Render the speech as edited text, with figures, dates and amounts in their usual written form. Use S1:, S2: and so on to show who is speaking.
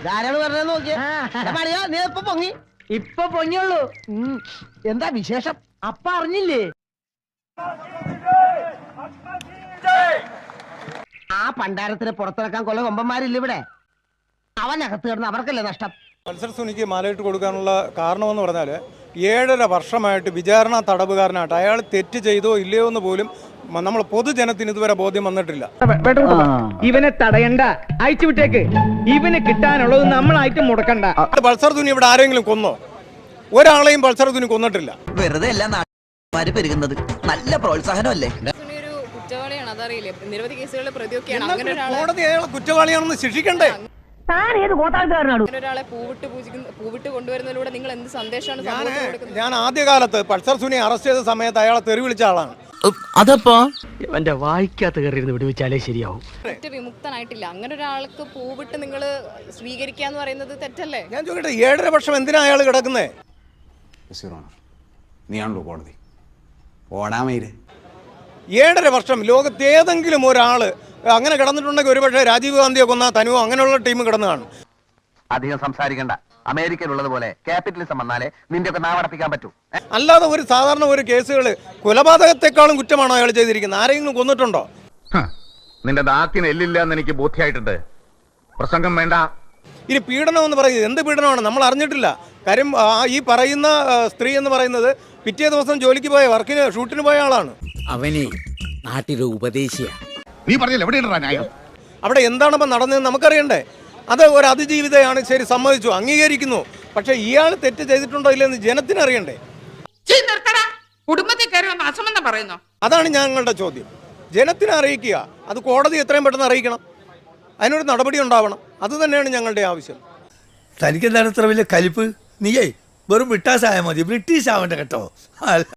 S1: ധാരാളം പറഞ്ഞത് നോക്കിയേ പണിയാ നീ ഇപ്പൊ പൊങ്ങി ഇപ്പൊ പൊങ്ങിയുള്ളൂ. എന്താ വിശേഷം അപ്പ അറിഞ്ഞില്ലേ? ആ പണ്ടാരത്തിന് പുറത്തിറക്കാൻ കൊല്ല കൊമ്പന്മാരില്ല ഇവിടെ. അവനകത്ത് കിടന്ന് അവർക്കല്ലേ നഷ്ടം.
S2: പൾസർ സുനിക്ക് മാലയിട്ട് കൊടുക്കാനുള്ള കാരണമെന്ന് പറഞ്ഞാൽ 7.5 വർഷമായിട്ട് വിചാരണ തടവുകാരനായിട്ട് അയാൾ തെറ്റ് ചെയ്തോ ഇല്ലയോ എന്ന് പോലും നമ്മൾ പൊതുജനത്തിന് ഇതുവരെ ബോധ്യം വന്നിട്ടില്ല.
S3: ഇവനെ തടയണ്ട, അയച്ചു വിട്ടേക്ക്. ഇവന് കിട്ടാനുള്ളത് നമ്മളായിട്ട് മുടക്കണ്ട.
S2: പൾസർ സുനി ഇവിടെ ആരെങ്കിലും കൊന്നോ? ഒരാളെയും പൾസർ സുനി കൊന്നിട്ടില്ല.
S4: വെറുതെ എല്ലാ നാട്ടുകാര് പെരുകുന്നത് നല്ല പ്രോത്സാഹനമല്ലേ?
S5: കുറ്റവാളിയാണ്, അതറിയില്ലേ? നിരവധി കേസുകളിലെ പ്രതിയൊക്കെയാണ്. അങ്ങനെ
S2: കോടതി അയാളെ കുറ്റവാളിയാണെന്ന് ശിക്ഷിക്കണ്ടേ?
S5: ഒരാളെ പൂവിട്ട് കൊണ്ടുവരുന്നതിലൂടെ നിങ്ങൾ എന്ത് സന്ദേശമാണ്
S2: ഞാൻ ആദ്യകാലത്ത് പൾസർ സുനി അറസ്റ്റ് ചെയ്ത സമയത്ത് അയാളെ തെറി വിളിച്ച ആളാണ്.
S1: അതപ്പോ എന്റെ വായിക്കാത്ത കയറിയിരുന്ന് വിടുവിച്ചാലേ ശരിയാവും.
S5: വിമുക്തനായിട്ടില്ല. അങ്ങനെ ഒരാൾക്ക് പൂവിട്ട് നിങ്ങൾ സ്വീകരിക്കാന്ന് പറയുന്നത് തെറ്റല്ലേ?
S2: ഞാൻ ചോദിക്കട്ടെ, 7.5 വർഷം എന്തിനാ അയാൾ കിടക്കുന്നേ?
S6: നീയാണല്ലോ കോടതി. ഓടാമയില്
S2: 7.5 വർഷം ലോകത്ത് ഏതെങ്കിലും ഒരാള് അങ്ങനെ കിടന്നിട്ടുണ്ടെങ്കിൽ ഒരുപക്ഷെ രാജീവ് ഗാന്ധിയെ കൊന്ന തനുവോ അങ്ങനെയുള്ള ടീം കിടന്നു കാണും.
S4: അധികം സംസാരിക്കണ്ട. അമേരിക്കയിലുള്ളത് പോലെ ക്യാപിറ്റലിസം വന്നാലേ നിന്റെ ഒക്കെ നാവടപ്പിക്കാൻ പറ്റൂ.
S2: അല്ലാതെ ഒരു സാധാരണ ഒരു കേസുകൾ കൊലപാതകത്തെക്കാളും കുറ്റമാണോ അയാൾ ചെയ്തിരിക്കുന്നത്? ആരെങ്കിലും കൊന്നിട്ടുണ്ടോ?
S7: നിന്റെ ദാത്തിന് എല്ലില്ല എന്ന് എനിക്ക് ബോധ്യമായിട്ടുണ്ട്. പ്രസംഗം വേണ്ട.
S2: ഇനി പീഡനം എന്ന് പറയുന്നത് എന്ത് പീഡനമാണ്? നമ്മൾ അറിഞ്ഞിട്ടില്ല. കാര്യം ഈ പറയുന്ന സ്ത്രീ എന്ന് പറയുന്നത് പിറ്റേ ദിവസം ജോലിക്ക് പോയ ഷൂട്ടിന് പോയ ആളാണ്.
S8: അവനെ നാട്ടിലെ ഉപദേശിയ.
S7: നീ പറഞ്ഞില്ല എവിടെയാണ് ന്യായം?
S2: അവിടെ എന്താണിപ്പോൾ നടന്നതെന്ന് നമുക്കറിയണ്ടേ? അത് ഒരു അതിജീവിതയാണ്, ശരി, സമ്മതിച്ചു, അംഗീകരിക്കുന്നു. പക്ഷെ ഇയാൾ തെറ്റ് ചെയ്തിട്ടുണ്ടോ ഇല്ലെന്ന് ജനത്തിന് അറിയണ്ടേ?
S9: കുടുംബത്തിൽ കയറി വന്ന് അസമെന്ന് പറയുന്നു.
S2: അതാണ് ഞങ്ങളുടെ ചോദ്യം. ജനത്തിനെ അറിയിക്കുക. അത് കോടതി എത്രയും പെട്ടെന്ന് അറിയിക്കണം. അതിനൊരു നടപടി ഉണ്ടാവണം. അത് തന്നെയാണ് ഞങ്ങളുടെ ആവശ്യം.
S10: തനിക്കെന്താണ് ഇത്ര വലിയ കലിപ്പ്? നീയേ വെറും ബ്രിട്ടാസ് ആയാൽ മതി, ബ്രിട്ടീഷ് ആവണ്ട കേട്ടോ.